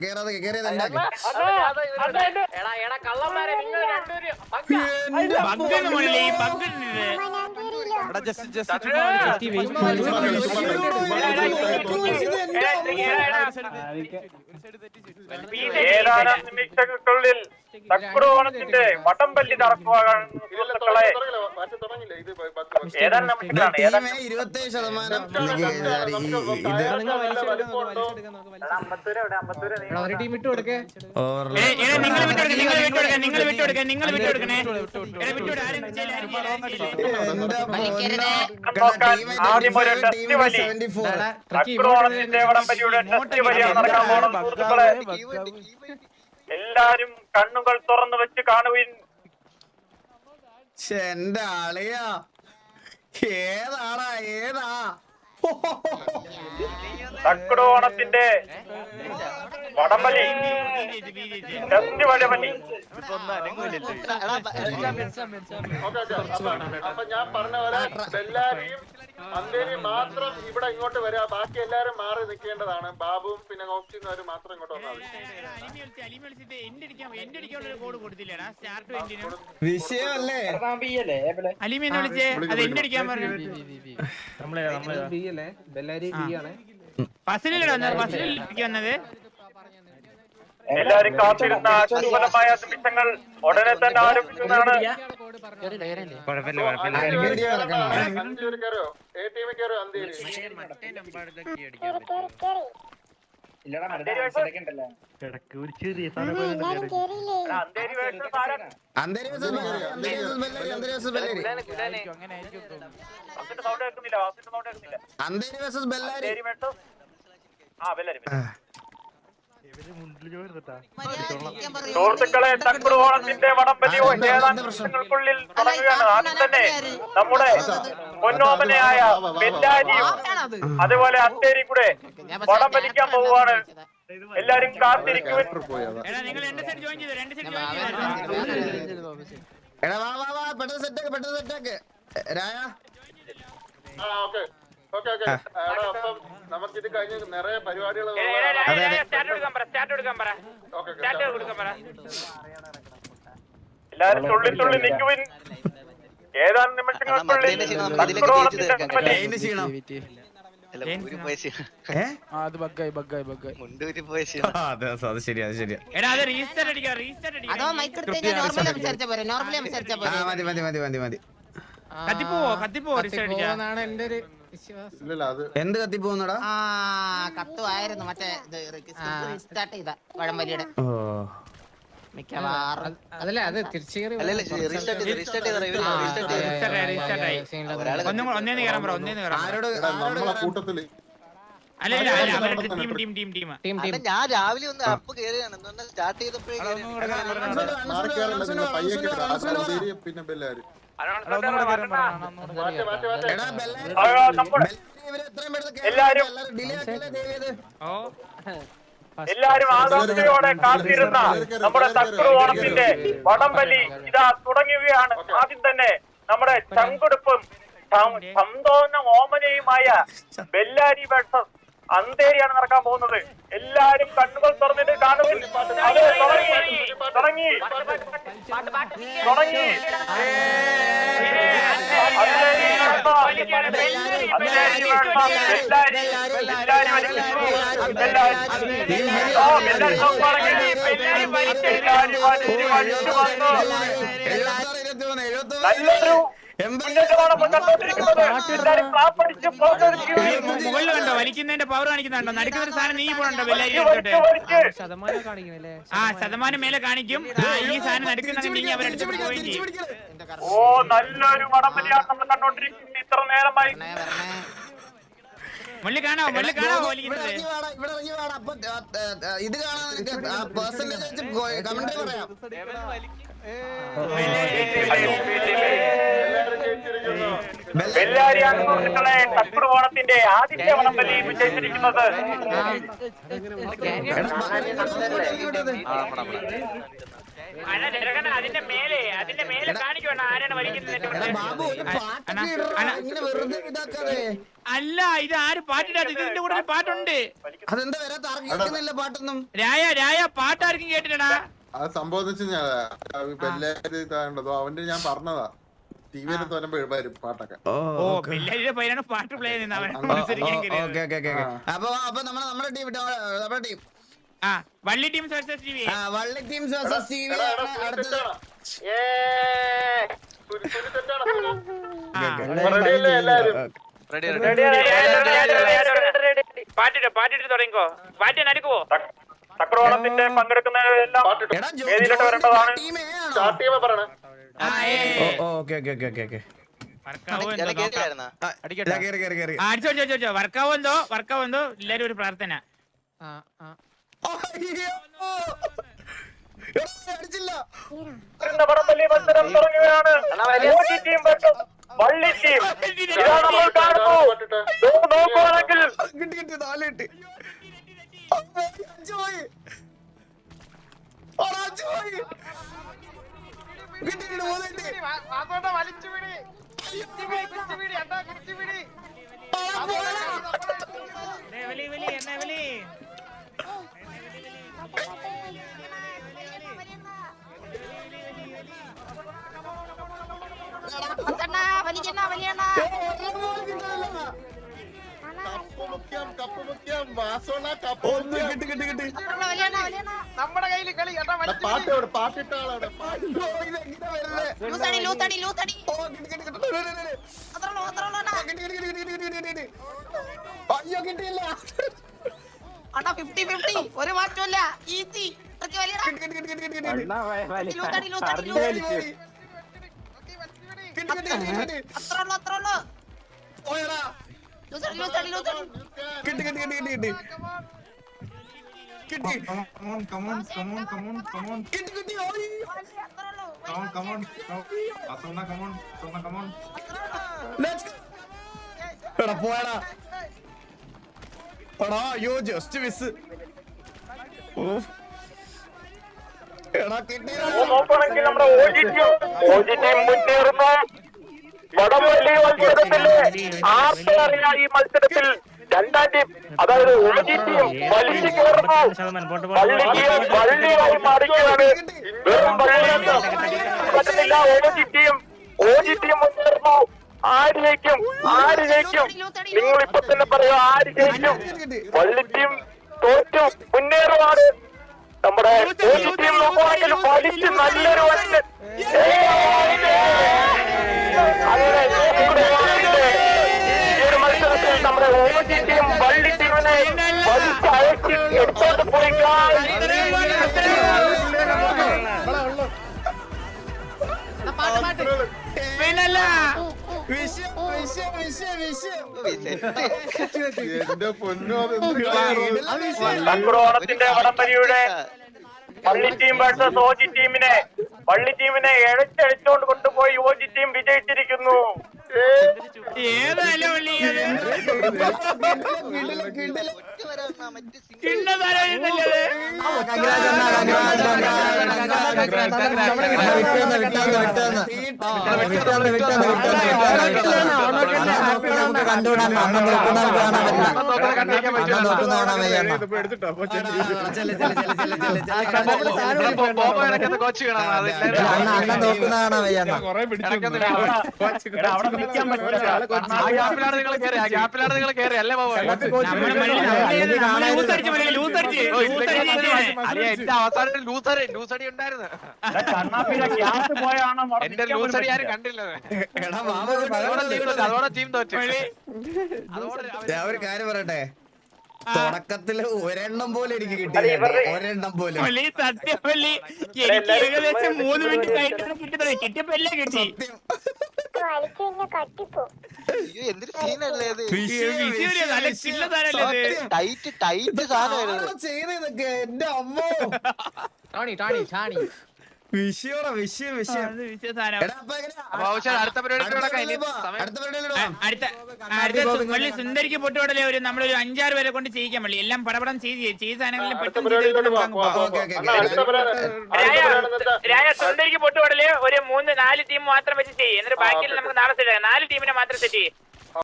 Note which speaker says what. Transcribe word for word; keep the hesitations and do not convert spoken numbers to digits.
Speaker 1: കേറാതെ കേറിയത്
Speaker 2: ഏതാനും നിമിഷങ്ങൾക്കുള്ളിൽ തക്രോണത്തിന്റെ വടംവലി നടക്കുവാൻ സുഹൃത്തുക്കളെ. ഏതാനും നിമിഷങ്ങളാണ്. ഏതാനും
Speaker 1: ഇരുപത്തേഴ് ശതമാനം
Speaker 3: ഒരു ടീം ഇട്ട് കൊടുക്കേ.
Speaker 2: ആദ്യം ഒരു ടെസ്റ്റ് വലി, തക്രോണത്തിന്റെ വടംവലിയുടെ ടെസ്റ്റ് വലിയാണ് നടക്കാൻ പോകുന്നത് സുഹൃത്തുക്കളെ. എല്ലാരും കണ്ണുകൾ തുറന്നു വെച്ച് കാണുവിൻ.
Speaker 1: എന്റെ ആളിയാ ഏതാടാ ഏതാ
Speaker 2: തക്രോണത്തിന്റെ വടംവലി ടെസ്റ്റ് വടംവലി.
Speaker 4: അപ്പൊ ഞാൻ പറഞ്ഞ പോലെ എല്ലാരെയും അന്തേരി മാത്രം ഇവിടെ ഇങ്ങോട്ട് വരാ, ബാക്കി എല്ലാരും മാറി നിൽക്കേണ്ടതാണ്. ബാബുവും പിന്നെ ഓപ്ഷനും മാത്രം ഇങ്ങോട്ട് വന്നാൽ
Speaker 1: വിഷയമല്ലേ
Speaker 5: അലിമീനെ വിളിച്ചേ, അത് എന്നെ അടിക്കാൻ പറഞ്ഞു. ബസ്സിലല്ലേ ബസ്സിലേക്ക് വന്നത്.
Speaker 2: എല്ലാരും കാത്തിരുന്ന ദുർബലമായ നിമിഷങ്ങൾ ഉടനെ തന്നെ ആരംഭിക്കുന്നതാണ്. സുഹൃത്തുക്കളെ, തക്രോണത്തിന്റെ വടംവലി ഏതാനും നിമിഷങ്ങൾക്കുള്ളിൽ തുടങ്ങുകയാണ്. ആദ്യം തന്നെ നമ്മുടെ പൊന്നോമനയായ ബെല്ലാരിയും അതുപോലെ അത്തേരി കൂടെ വടംവലിക്കാൻ പോവുകയാണ്. എല്ലാരും കാത്തിരിക്കുവാൻ.
Speaker 4: നമുക്കിത് കഴിഞ്ഞ് നിറയെ പരിപാടികൾ.
Speaker 2: എല്ലാരും തുള്ളി തുള്ളി നിൽക്കുവിൻ. ഏതാനും നിമിഷങ്ങൾക്കുള്ളിൽ
Speaker 1: എന്ത് കത്തിപ്പോന്നടാ
Speaker 6: കത്തുവായിരുന്നു മറ്റേ സ്റ്റാർട്ട് ചെയ്ത വടംവലിയുടെ മിക്കവാറും.
Speaker 3: അതല്ലേ അത് തിരിച്ചു കയറി
Speaker 4: കൂട്ടത്തില്
Speaker 6: ഞാൻ രാവിലെ ഒന്ന് അപ്പ് കയറിയാണ് സ്റ്റാർട്ട് ചെയ്തപ്പോഴേക്കും
Speaker 4: പിന്നെ ബെല്ലാരി
Speaker 2: എല്ലാരും എല്ലാരും ആകാംക്ഷയോടെ കാത്തിരുന്ന നമ്മുടെ തക്രോണത്തിന്റെ വടംവലി ഇതാ തുടങ്ങുകയാണ്. ആദ്യം തന്നെ നമ്മുടെ ചങ്കുടുപ്പും സന്തോന്ന ഓമനയുമായ ബെല്ലാരി വേഴ്സസ് അന്തേരിയാണ് നടക്കാൻ പോകുന്നത്. എല്ലാരും കണ്ണുകൾ തുറന്നിട്ട് കാണുവിൻ. അത് തുടങ്ങി തുടങ്ങി തുടങ്ങി നല്ലൊരു
Speaker 5: മുകളിൽ കണ്ടോ വലിക്കുന്നതിന്റെ പവർ കാണിക്കുന്നുണ്ടോ? നടുക്കുന്ന ഒരു സാധനം നീ പോകണ്ടോ? ബെല്ലാരി ആ ശതമാനം മേലെ കാണിക്കും. ഈ സാധനം നടുക്കുന്നുണ്ടെങ്കിൽ അവരെടുത്ത് പോവുകയും ചെയ്യും.
Speaker 2: ഓ നല്ലൊരു വടംവലിയാണ് നമ്മൾ കണ്ടോണ്ടിരിക്കുന്നത് ഇത്ര നേരമായി.
Speaker 5: മുള്ളി കാണാവോ? മുള്ളി കാണാവോ വലിക്കുന്നത്?
Speaker 1: ഇത് കാണാൻ പേഴ്സന്റേജ് കമന്റ് പറയാം.
Speaker 2: ബെല്ലാരിയാണ് സുഹൃത്തുക്കളെ തക്രോണത്തിന്റെ ആദ്യത്തെ വടംവലി വിജയിച്ചിരിക്കുന്നത്.
Speaker 5: അണ്ണാ ചെറുക്കനെ അതിന്റെ മേലെ അതിന്റെ മേലെ കാണിക്കണം ആരാണ് വലിക്കുന്നത്.
Speaker 1: എടാ ബാബു ഒരു പാട്ടൊക്കെ ഇടറാ, ഇങ്ങനെ വെറുതെ ഇതാക്കാതെ.
Speaker 5: അല്ല ഇത് ആര് പാട്ടിടാത്ത, ഇതിന്റെ കൂടെ ഒരു പാട്ടുണ്ട്.
Speaker 1: അതെന്താ വരാത്ത, ആർക്കും കേൾക്കുന്നില്ല പാട്ടൊന്നും.
Speaker 5: രായ രായ പാട്ടാർക്കും കേട്ടിട്ടടാ.
Speaker 4: അത് സംഭവിച്ചു ഞാൻ ഇതാണ്ടതോ അവന്റെ ഞാൻ പറഞ്ഞതാ ടി വിയിൽ തോന്നുമ്പോ വരും പാട്ടൊക്കെ.
Speaker 5: ഓ പിള്ളേരുടെ പേരാണ് പാട്ട് പ്ലേ ചെയ്യുന്നത്. അവൻ
Speaker 1: ഓക്കെ ഓക്കെ ഓക്കെ. അപ്പൊ അപ്പൊ നമ്മളെ നമ്മുടെ ടീം നമ്മുടെ ടീം
Speaker 5: ആ വള്ളി ടീം വേഴ്സസ് ടി വി.
Speaker 1: ആ വള്ളി ടീം വേഴ്സസ് ടി വി അടുത്തത്.
Speaker 5: പാട്ടിട്ട് പാട്ടിട്ട് തുടങ്ങിക്കോ. പാട്ട് നടക്കുവോ?
Speaker 2: ചക്രവാളത്തിന്റെ പങ്കെടുക്കുന്നതിലെല്ലാം
Speaker 1: എടാ ജോ
Speaker 2: വേദിയിലോട്ട് വരേണ്ടതാണ്.
Speaker 1: ടീമേ ആണോ?
Speaker 4: സ്റ്റാർട്ട് ചെയ്യുമ്പോ പറയണേ.
Speaker 1: Okay okay okay okay okay.
Speaker 5: വർക്കാവോ
Speaker 6: കേട്ടില്ലായിരുന്നാ
Speaker 1: കേറി കേറി കേറി.
Speaker 5: അടിച്ചോ അടിച്ചോ അടിച്ചോ. വർക്കാവോ എന്തോ വർക്കാവോ എന്തോ എല്ലാരും ഒരു പ്രാർത്ഥന.
Speaker 1: അടിച്ചില്ല.
Speaker 2: വടംവലി മത്സരം തുടങ്ങുകയാണ്. ഓജി ടീം versus വള്ളി ടീം. ഇതാണ് നമ്മൾ കാണുന്നു. നോക്കുവാണെങ്കിൽ
Speaker 1: കിട്ടി കിട്ടി നാല് കിട്ടി. അഞ്ച് പോയി. അഞ്ച് പോയി. കിട്ടി കിട്ടി മൂന്ന് കിട്ടി.
Speaker 5: വലി വലി എന്നാ വലി.
Speaker 4: നമ്മുടെ കയ്യില് കളി കേട്ടാ പാട്ടോട് പാട്ടിട്ടാളോടെ
Speaker 1: അയ്യോ കിട്ടിയില്ല.
Speaker 7: ഒരു മാറ്റമില്ല. ഈസി
Speaker 1: കിട്ടി കിട്ടി കിട്ടി കിട്ടി കിട്ടി കിട്ടി കിട്ടി കിട്ടി. എടാ പോയടാ. എടാ അയ്യോ ജസ്റ്റ് മിസ്. എടാ കിട്ടി.
Speaker 2: നോക്കുകയാണെങ്കിൽ നമ്മുടെ ഓജി ടീം ഓജി ടീം മുന്നേറുന്നു. വടംവലി മത്സരത്തില് ആർക്കറിയാ ഈ മത്സരത്തിൽ രണ്ടാം ടീം അതായത് ഓജി ടീം വലിച്ചു കയറുന്നു. വള്ളി ടീം വള്ളിയായി മാറുകയാണ്. വെറും വള്ളിയല്ല പറ്റുന്നില്ല. ഓജി ടീം ഓജി ടീം മുന്നേറുന്നു. ആര് ജയിക്കും ആര് ജയിക്കും നിങ്ങൾ ഇപ്പൊ തന്നെ പറയൂ ആര് ജയിക്കും? വള്ളി ടീം തോറ്റു മുന്നേറുവാണ്. നമ്മുടെ ഓജി ടീം നോക്കുവാണെങ്കിൽ വലിച്ച് നല്ലൊരു വലിച്ച് അങ്ങനെ ഈ ഒരു മത്സരത്തിൽ നമ്മുടെ ഓജി ടീം വള്ളി ടീമിനെ വലിച്ച് അയച്ച് എടുത്തോണ്ട് പോയി.
Speaker 5: പിന്നല്ല
Speaker 1: വിഷയം വിഷയം വിഷയം വിഷയം.
Speaker 4: എന്റെ പൊന്നോ
Speaker 2: ചക്രവാളത്തിന്റെ വടംവലിയുടെ വള്ളി ടീം വേഴ്സസ് ഓജി ടീമിനെ വള്ളി ടീമിനെ എഴച്ചടിച്ചുകൊണ്ട് കൊണ്ടുപോയി ഓജി ടീം വിജയിച്ചിരിക്കുന്നു.
Speaker 5: ഏതല്ല വള്ളി
Speaker 6: അവസാനം ലൂസറി ലൂസടി ഉണ്ടായിരുന്നു. എന്റെ ലൂസടി ആരും കണ്ടില്ല. അതോടെ ടീം തോറ്റു.
Speaker 1: ഞാൻ ഒരു കാര്യം പറയട്ടെ, തുടക്കത്തില് ഒരെണ്ണം പോലെ എനിക്ക് കിട്ടിയില്ല. ഒരെണ്ണം പോലും
Speaker 5: സത്യമല്ലി എനിക്ക് ഏകദേശം മൂന്ന് മിനിറ്റ് കഴിഞ്ഞാണ് കിട്ടുന്നത്. കിട്ടിയപ്പോ എല്ലാം കിട്ടി.
Speaker 6: അയ്യോ എന്തൊരു സീനല്ലേ ഇത്.
Speaker 5: നല്ല ചില്ല സാധനല്ലേ ഇത്.
Speaker 6: ടൈറ്റ് ടൈറ്റ് സാധനമായിരുന്നു.
Speaker 1: ചെയ്തതൊക്കെ എന്റെ അമ്മോ.
Speaker 3: ടാണി ടാണി ടാണി
Speaker 1: വിഷയോടാ വിഷയം വിഷയം
Speaker 5: അത് വിഷയ സാധനം.
Speaker 1: എടാ, അപ്പൊ എങ്ങനെയാ?
Speaker 2: അപ്പൊ ആവശ്യം അടുത്ത പരിപാടിക്ക്
Speaker 1: അടുത്ത
Speaker 2: കിടക്കാം. ഇനി
Speaker 1: പരിപാടിയിൽ
Speaker 2: സമയം-
Speaker 1: അടുത്ത പരിപാടിയിൽ
Speaker 5: ആ,
Speaker 1: പോവാം.
Speaker 5: അടുത്ത അടുത്ത സു- മള്ളി സുന്ദരിക്ക് പൊട്ടുപടലേ ഒരു നമ്മളൊരു അഞ്ചാറ് പേരെ കൊണ്ട് ചെയ്യിക്കാൻ മള്ളി എല്ലാം പടപടം ചെയ്ത് ചെയ്ത സാധനങ്ങളിൽ
Speaker 4: അടുത്ത
Speaker 5: പെട്ടെന്ന്
Speaker 4: പരിപാടിയിലോട്ട്
Speaker 5: ചെയ്തിട്ട്
Speaker 4: പോവാം,
Speaker 5: നമുക്ക്
Speaker 4: പോവാം,
Speaker 5: പോവാം.
Speaker 1: ഓക്കേ, ഓക്കേ,
Speaker 4: അണ്ണാ,
Speaker 1: ഓക്കേ.
Speaker 4: അടുത്ത പരിപാടി- അടുത്ത
Speaker 5: രായ
Speaker 4: പരിപാടി എന്താ?
Speaker 5: രായ സുന്ദരിക്ക് പൊട്ടുപടലേ ഒരു മൂന്ന് നാല് ടീം മാത്രം വെച്ച് ചെയ്യും എന്നിട്ട് ബാക്കിയിൽ നമുക്ക് നാളെ സെറ്റ് ആക്കാം നാല് ടീമിനെ മാത്രം സെറ്റ് ചെയ്യും